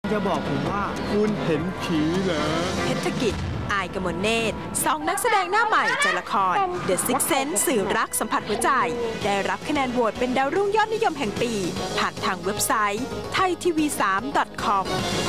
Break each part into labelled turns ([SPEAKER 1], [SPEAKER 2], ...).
[SPEAKER 1] จะบอกผมว่าคุณเห็นผีเหรอ
[SPEAKER 2] เพชรกิจอายกมลเนตรสองนักแสดงหน้าใหม่จากละคร The Sixth Sense สื่อรักสัมผัสหัวใจได้รับคะแนนโหวตเป็นดาวรุ่งยอดนิยมแห่งปีผ่านทางเว็บไซต์ thaitv3.com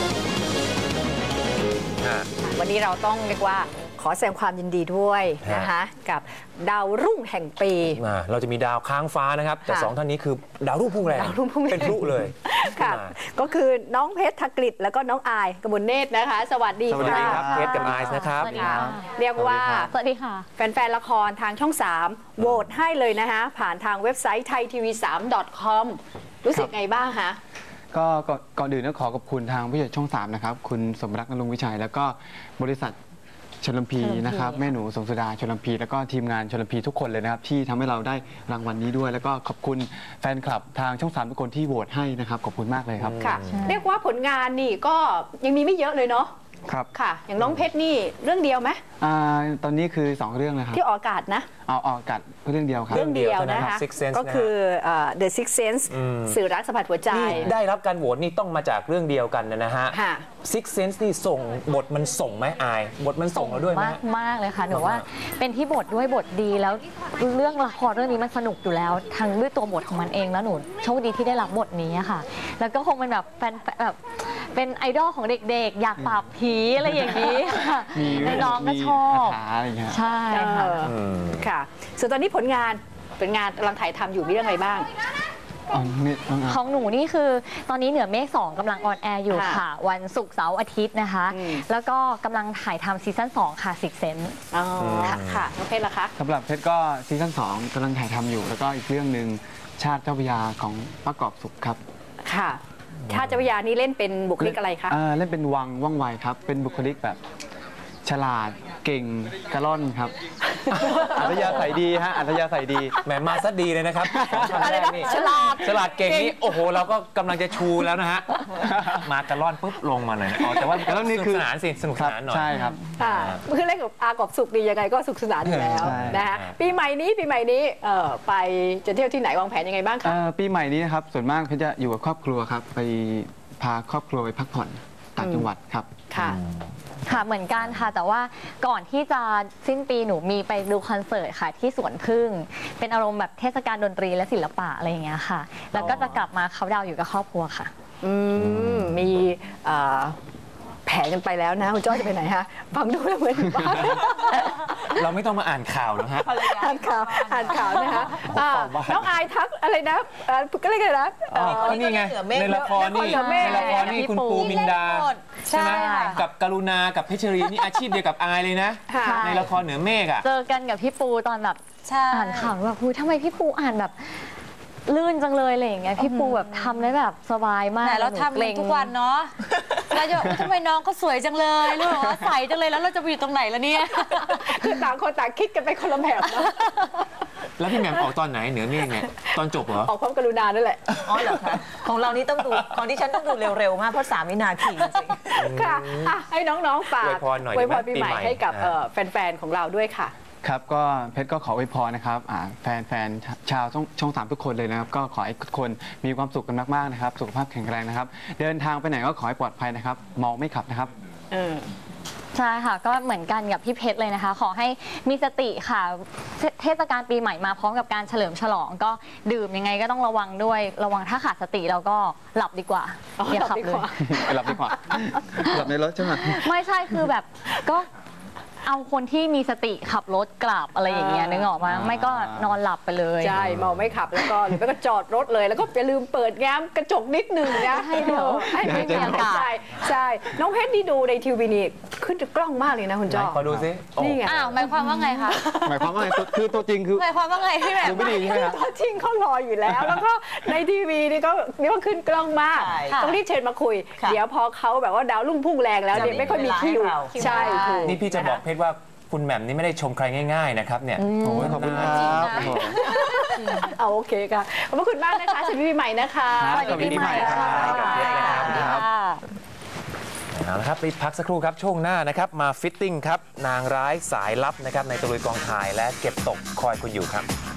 [SPEAKER 3] วันนี้เราต้องเรียกว่าขอแสดงความยินดีด้วยนะคะกับดาวรุ่งแห่งปี
[SPEAKER 4] เราจะมีดาวค้างฟ้านะครับแต่2ท่านนี้คือดาวรุ่งพุ่งแรงเป็นพลุเลย
[SPEAKER 3] ค่ะก็คือน้องเพชรธกฤษแล้วก็น้องอายกมลเนตรนะคะสวัสดีค่ะ
[SPEAKER 4] สวัสดีครับเพชรกับอายนะครับ
[SPEAKER 3] เรียกว่า
[SPEAKER 5] สวัสดีค่ะ
[SPEAKER 3] แฟนๆละครทางช่อง3โหวตให้เลยนะคะผ่านทางเว็บไซต์ thaitv3.com รู้สึกไงบ้างคะ
[SPEAKER 6] ก็ก่อนอื่นต้องขอขอบคุณทางผู้ใหญ่ช่อง3นะครับคุณสมรักนรงค์วิชัยแล้วก็บริษัทชลพีนะครับแม่หนูสงสุดาชลพีแล้วก็ทีมงานชลพีทุกคนเลยนะครับที่ทำให้เราได้รางวัลนี้ด้วยแล้วก็ขอบคุณแฟนคลับทางช่อง3ทุกคนที่โหวตให้นะครับขอบคุณมากเลยครับ
[SPEAKER 3] ค่ะเรียกว่าผลงานนี่ก็ยังมีไม่เยอะเลยเนาะ
[SPEAKER 6] ครับ
[SPEAKER 3] ค่ะอย่างน้องเพชรนี่เรื่องเดียวไหม
[SPEAKER 6] ตอนนี้คือ2เรื่องนะครับ
[SPEAKER 3] ที่ออกอากาศนะ
[SPEAKER 6] ออกอากาศเรื่องเดียวครับ
[SPEAKER 3] เรื่องเดียวนะคะก็คือ The Sixth Sense สื่อรักสัมผัสหัวใจ
[SPEAKER 4] ได้รับการโหวตนี่ต้องมาจากเรื่องเดียวกันนะฮะ Sixth Sense นี่ส่งบทมันส่งไหมอายบทมันส่งเราด้วยไหม
[SPEAKER 5] มากเลยค่ะหนูว่าเป็นที่บทด้วยบทดีแล้วเรื่องละครเรื่องนี้มันสนุกอยู่แล้วทั้งด้วยตัวบทของมันเองแล้วหนูโชคดีที่ได้รับบทนี้ค่ะแล้วก็คงเป็นแบบแฟนแบบเป็นไอดอลของเด็กๆอยากปราบผีอะไรอย่างนี้น้องก็ชอบใช่
[SPEAKER 3] ค่ะส่วนตอนนี้ผลงานเป็นงานกำลังถ่ายทำอยู่มีเรื่องอะไรบ้าง
[SPEAKER 5] ของหนูนี่คือตอนนี้เหนือเมฆ2กำลังออนแอร์อยู่ค่ะวันศุกร์เสาร์อาทิตย์นะคะแล้วก็กำลังถ่ายทำซีซั่น2ค่ะSixth Sense
[SPEAKER 3] ค่ะน้องเพชรล่ะคะ
[SPEAKER 6] สำหรับเพชรก็ซีซั่น2กำลังถ่ายทำอยู่แล้วก็อีกเรื่องหนึ่งชาติเจ้าพระยาของประกอบสุขครับ
[SPEAKER 3] ค่ะชาติเจ้าพระยานี่เล่นเป็นบุคลิกอะไรคะ
[SPEAKER 6] เล่นเป็นวังว่องไวครับเป็นบุคลิกแบบฉลาดเก่งกระล่อนครับอัธยาศัยดีฮะอัธยาศัยดี
[SPEAKER 4] แหมมาซะดีเลยนะครับของแรกนี่ฉลาดเก่งนี่โอ้โหเราก็กำลังจะชูแล้วนะฮะมากระล่อนปุ๊บลงมาเลยแต่ว่ากระล่อนนี่คือสนุกสนานสิสนุกสนานหน่อย
[SPEAKER 6] ใช่ครับ
[SPEAKER 3] คือเล่นกับอากอบสุขดียังไงก็สุขสนานอยู่แล้วนะคะปีใหม่นี้ไปจะเที่ยวที่ไหนวางแผนยังไงบ้างคะ
[SPEAKER 6] ปีใหม่นี้นะครับส่วนมากเพชรจะอยู่กับครอบครัวครับไปพาครอบครัวไปพักผ่อนต่างจังหวัดครับ
[SPEAKER 5] ค่ะเหมือนกันค่ะแต่ว่าก่อนที่จะสิ้นปีหนูมีไปดูคอนเสิร์ตค่ะที่สวนพึ่งเป็นอารมณ์แบบเทศกาลดนตรีและศิลปะอะไรอย่างเงี้ยค่ะแล้วก็จะกลับมาเขาดาวอยู่กับครอบครัวค่ะ
[SPEAKER 3] มีแผนกันไปแล้วนะคุณจ้อยจะไปไหนฮะฟังดูแล้วเหมือนบ้าน
[SPEAKER 4] เราไม่ต้องมาอ่านข่าวแล้วฮะ
[SPEAKER 3] อ่านข่าวนะคะน้องอายทักอะไรนะก็เรียกอะไรนะ
[SPEAKER 4] นี่ไงในละครนี่คุณปูมินดาใช่ไหมกับกรุณากับเพชรีนี่อาชีพเดียวกับอายเลยนะในละครเหนือเมฆ
[SPEAKER 5] เจอกันกับพี่ปูตอนแบบอ่านข่าวแบบทำไมพี่ปูอ่านแบบลื่นจังเลยอะไรอย่างเงี้ยพี่ปูแบบทำได้แบบสบายมาก
[SPEAKER 7] แต่เราทำเองทุกวันเนาะเราจะทำไมน้องเขาสวยจังเลยหรือว่าใสจังเลยแล้วเราจะไปอยู่ตรงไหนล่ะเนี่ย
[SPEAKER 3] คือต่างคนต่างคิดกันไปคนละแบบนะ
[SPEAKER 4] แล้วพี่แหม่มออกตอนไหนเหนือเมฆเนี่ยตอนจบเหรอ
[SPEAKER 3] ออกพร้อมกรุณานั่นแหละ
[SPEAKER 7] อ๋อเหรอคะของเรานี่ต้องดูของที่ฉันต้องดูเร็วๆมากเพราะ3 วินาทีจริง
[SPEAKER 3] ค่ะให้น้องๆฝากอวยพรปีใหม่ให้กับแฟนๆของเราด้วยค่ะ
[SPEAKER 6] ครับก็เพชรก็ขออวยพรนะครับแฟนชาวช่อง3ทุกคนเลยนะครับก็ขอให้ทุกคนมีความสุขกันมากๆนะครับสุขภาพแข็งแรงนะครับเดินทางไปไหนก็ขอให้ปลอดภัยนะครับเมาไม่ขับนะครับ
[SPEAKER 5] ใช่ค่ะก็เหมือนกันกับพี่เพชรเลยนะคะขอให้มีสติค่ะเทศกาลปีใหม่มาพร้อมกับการเฉลิมฉลองก็ดื่มยังไงก็ต้องระวังด้วยระวังถ้าขาดสติเราก็หลับดีกว่าอย่าขับเลย
[SPEAKER 6] หลับดีกว่าหลับในรถใช่ไหม
[SPEAKER 5] ไม่ใช่คือแบบก็เอาคนที่มีสติขับรถกลับอะไรอย่างเงี้ยนึกออกมาไม่ก็นอนหลับไปเลย
[SPEAKER 3] ใช่เมาไม่ขับแล้วก็หรือไม่ก็จอดรถเลยแล้วก็อย่าลืมเปิดแง้มกระจกนิดนึงนะให้มีอากาศใช่น้องเพชรที่ดูในทีวีนี่ขึ้นกล้องมากเลยนะคุณจ้อ
[SPEAKER 4] ขอดูซิ
[SPEAKER 3] นี่ไง
[SPEAKER 7] หมายความว่าไงคะ
[SPEAKER 6] หมายความว่าไงคือตัวจริงคือ
[SPEAKER 7] หมายความว่าไงพี่แบบ
[SPEAKER 6] ดูไม่ดีใช่ไหมครับ
[SPEAKER 3] ตัวจริงเขารออยู่แล้วแล้วก็ในทีวีนี่ก็ขึ้นกล้องมากต้องรีบเชิญมาคุยเดี๋ยวพอเขาแบบว่าดาวรุ่งพุ่งแรงแล้วเนี่ยไม่ค่อยมีคิวใช่
[SPEAKER 4] นี่พี่จะบอกเพชรว่าคุณแหม่มนี่ไม่ได้ชมใครง่ายๆนะครับเนี่ย
[SPEAKER 6] ขอบคุณครับ
[SPEAKER 3] โอเคค่ะขอบคุณมากนะคะสวัสดีปีใหม่นะคะ
[SPEAKER 6] สวัสดีปีใหม่ครับ
[SPEAKER 4] เอาละครับไปพักสักครู่ครับช่วงหน้านะครับมาฟิตติ้งครับนางร้ายสายลับนะครับในตะลุยกองถ่ายและเก็บตกคอยคุณอยู่ครับ